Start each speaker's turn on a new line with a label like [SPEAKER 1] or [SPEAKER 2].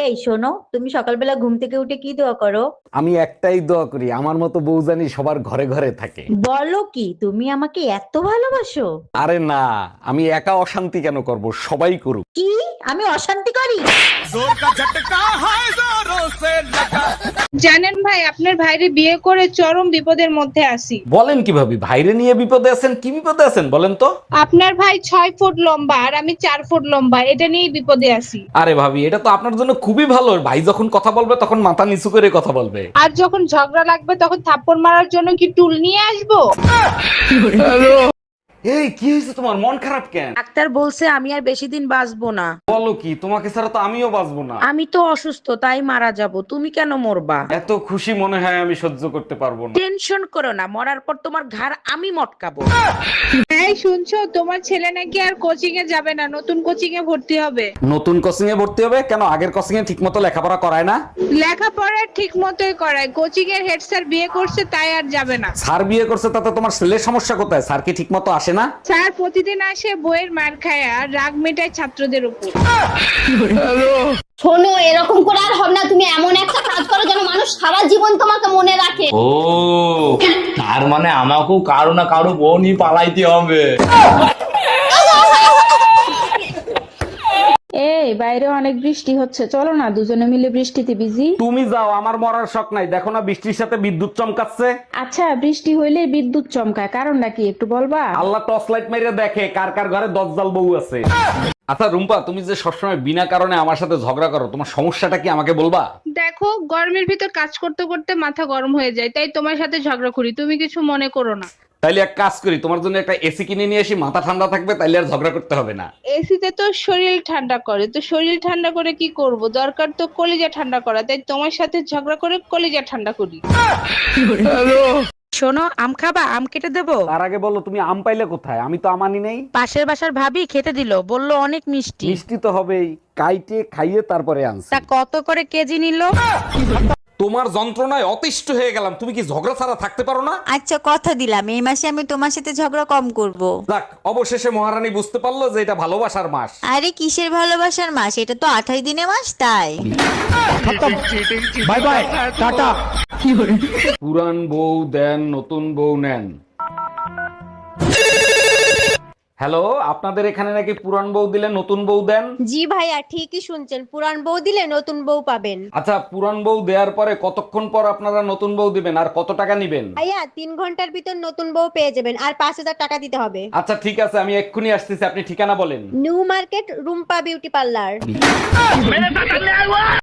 [SPEAKER 1] এই শোনো, তুমি সকালবেলা ঘুম থেকে উঠে কি দোয়া করো?
[SPEAKER 2] আমি একটাই দোয়া করি, আমার মতো বউ জানি সবার ঘরে ঘরে থাকে।
[SPEAKER 1] বলো কি, তুমি আমাকে এত ভালোবাসো?
[SPEAKER 2] আরে না, আমি একা অশান্তি কেন করব, সবাই করুক।
[SPEAKER 1] কি? আমি অশান্তি করি?
[SPEAKER 3] জানেন ভাই, আপনার ভাইরে বিয়ে করে চরম বিপদের মধ্যে আছি।
[SPEAKER 2] বলেন কি ভাবি, ভাইরে নিয়ে বিপদে আছেন? কি বিপদে আছেন বলেন তো।
[SPEAKER 3] আপনার ভাই 6 ফুট লম্বা আর আমি 4 ফুট লম্বা, এটা নিয়েই বিপদে আছি।
[SPEAKER 2] আরে ভাবি, এটা তো আপনার জন্য খুবই ভালো। ভাই যখন কথা বলবে তখন মাথা নিচু করে কথা বলবে।
[SPEAKER 3] আর যখন ঝগড়া লাগবে তখন থাপ্পড় মারার জন্য কি টুল নিয়ে আসবো?
[SPEAKER 2] এই কি হয়েছে তোমার, মন খারাপ কেন?
[SPEAKER 4] ডাক্তার বলছে আমি আর বেশি দিন বাঁচবো না।
[SPEAKER 2] বলো কি, তোমাকে ছাড়া তো আমিও বাঁচবো না।
[SPEAKER 4] আমি তো অসুস্থ, তাই মারা যাব। তুমি কেন মরবা?
[SPEAKER 2] এত খুশি মনে হয় আমি সহ্য করতে পারবো না।
[SPEAKER 4] টেনশন করো না, মরার পর তোমার ঘাড় আমি মটকাবো।
[SPEAKER 3] এই শুনছো, তোমার ছেলে নাকি আর কোচিং এ যাবে না, নতুন কোচিং এ ভর্তি হবে।
[SPEAKER 2] নতুন কোচিং এ ভর্তি হবে কেন? আগের কোচিং এ ঠিক মতো লেখাপড়া করায় না?
[SPEAKER 3] লেখাপড়া ঠিক মতোই করায়, কোচিং এর হেড স্যার বিয়ে করছে তাই আর যাবে না।
[SPEAKER 2] স্যার বিয়ে করছে তাতে তোমার ছেলের সমস্যা কোথায়? স্যার কি ঠিক মতো আসে না?
[SPEAKER 3] স্যার প্রতিদিন আসে বইয়ের মার খায় আর রাগ মেটায় ছাত্রদের উপর।
[SPEAKER 5] শোনো, এরকম করে আর হবে না। তুমি এমন একটা কাজ করো যেন মানুষ সারা জীবন তোমাকে মনে রাখে।
[SPEAKER 6] ও, তার মানে আমাকেও কারো না কারো বউ নিয়ে পালাইতে হবে।
[SPEAKER 7] এই বাইরে অনেক বৃষ্টি হচ্ছে, চলো না দুজনে মিলে বৃষ্টিতে ভিজি।
[SPEAKER 2] তুমি যাও, আমার মরার শখ নাই। দেখো না বৃষ্টির সাথে বিদ্যুৎ চমকাচ্ছে।
[SPEAKER 7] আচ্ছা, বৃষ্টি হইলে বিদ্যুৎ চমকায়, কারণটা কি একটু বলবা?
[SPEAKER 2] আল্লাহ টর্চ লাইট মেরে দেখে কার কার ঘরে দজ্জাল বউ আছে। আচ্ছা রুম্পা, তুমি যে সবসময় বিনা কারণে আমার সাথে ঝগড়া করো, তোমার সমস্যাটা কি আমাকে বলবা?
[SPEAKER 3] দেখো, গরমের ভিতর কাজ করতে করতে মাথা গরম হয়ে যায়, তাই তোমার সাথে ঝগড়া করি, তুমি কিছু মনে করো না।
[SPEAKER 2] তাইলে এক কাজ করি, তোমার জন্য একটা এসি কিনে নিয়ে আসি, মাথা ঠান্ডা থাকবে, তাইলে আর ঝগড়া করতে হবে না।
[SPEAKER 3] এসিতে তো শরীর ঠান্ডা করে, তো শরীর ঠান্ডা করে কি করব? দরকার তো কলিজা ঠান্ডা করা, তাই তোমার সাথে ঝগড়া করে কলিজা ঠান্ডা করি।
[SPEAKER 4] শোনো, আম খাবা? আম কেটে দেবো?
[SPEAKER 2] তার আগে বলো, তুমি আম পাইলে কোথায়? আমি তো আমানি নেই।
[SPEAKER 4] পাশের বাসার ভাবি খেতে দিল, বললো অনেক মিষ্টি।
[SPEAKER 2] মিষ্টি তো হবেই, কাইটে খাইয়ে তারপরে আনছি।
[SPEAKER 4] তা কত করে কেজি নিল?
[SPEAKER 2] তোমার যন্ত্রণায় অতিষ্ঠ হয়ে গেলাম। তুমি কি ঝগড়া ছাড়া থাকতে পারো না?
[SPEAKER 1] আচ্ছা, কথা দিলাম এই মাসে আমি তোমার সাথে ঝগড়া কম করব।
[SPEAKER 2] যাক, অবশেষে মহারানী বুঝতে পারলো যে এটা ভালোবাসার মাস।
[SPEAKER 1] আরে কিসের ভালোবাসার মাস, এটা তো 28 দিনের মাস, তাই।
[SPEAKER 2] Bye bye, tata. পুরান বউ দেন, নতুন বউ নেন। হ্যালো, আপনাদের এখানে নাকি পুরান বউ দিলে নতুন বউ দেন?
[SPEAKER 5] জি ভাইয়া, ঠিকই শুনছেন, পুরান বউ দিলে নতুন বউ পাবেন।
[SPEAKER 2] আচ্ছা, পুরান বউ দেওয়ার পরে কতক্ষণ পর আপনারা নতুন বউ দিবেন আর কত টাকা নিবেন?
[SPEAKER 5] ভাইয়া 3 ঘন্টার ভিতর নতুন বউ পেয়ে যাবেন, আর 5,000 টাকা দিতে হবে।
[SPEAKER 2] আচ্ছা ঠিক আছে, আমি এক্ষুনি আসতেছি, আপনি ঠিকানা বলেন।
[SPEAKER 5] New market, Rumpa beauty parlour.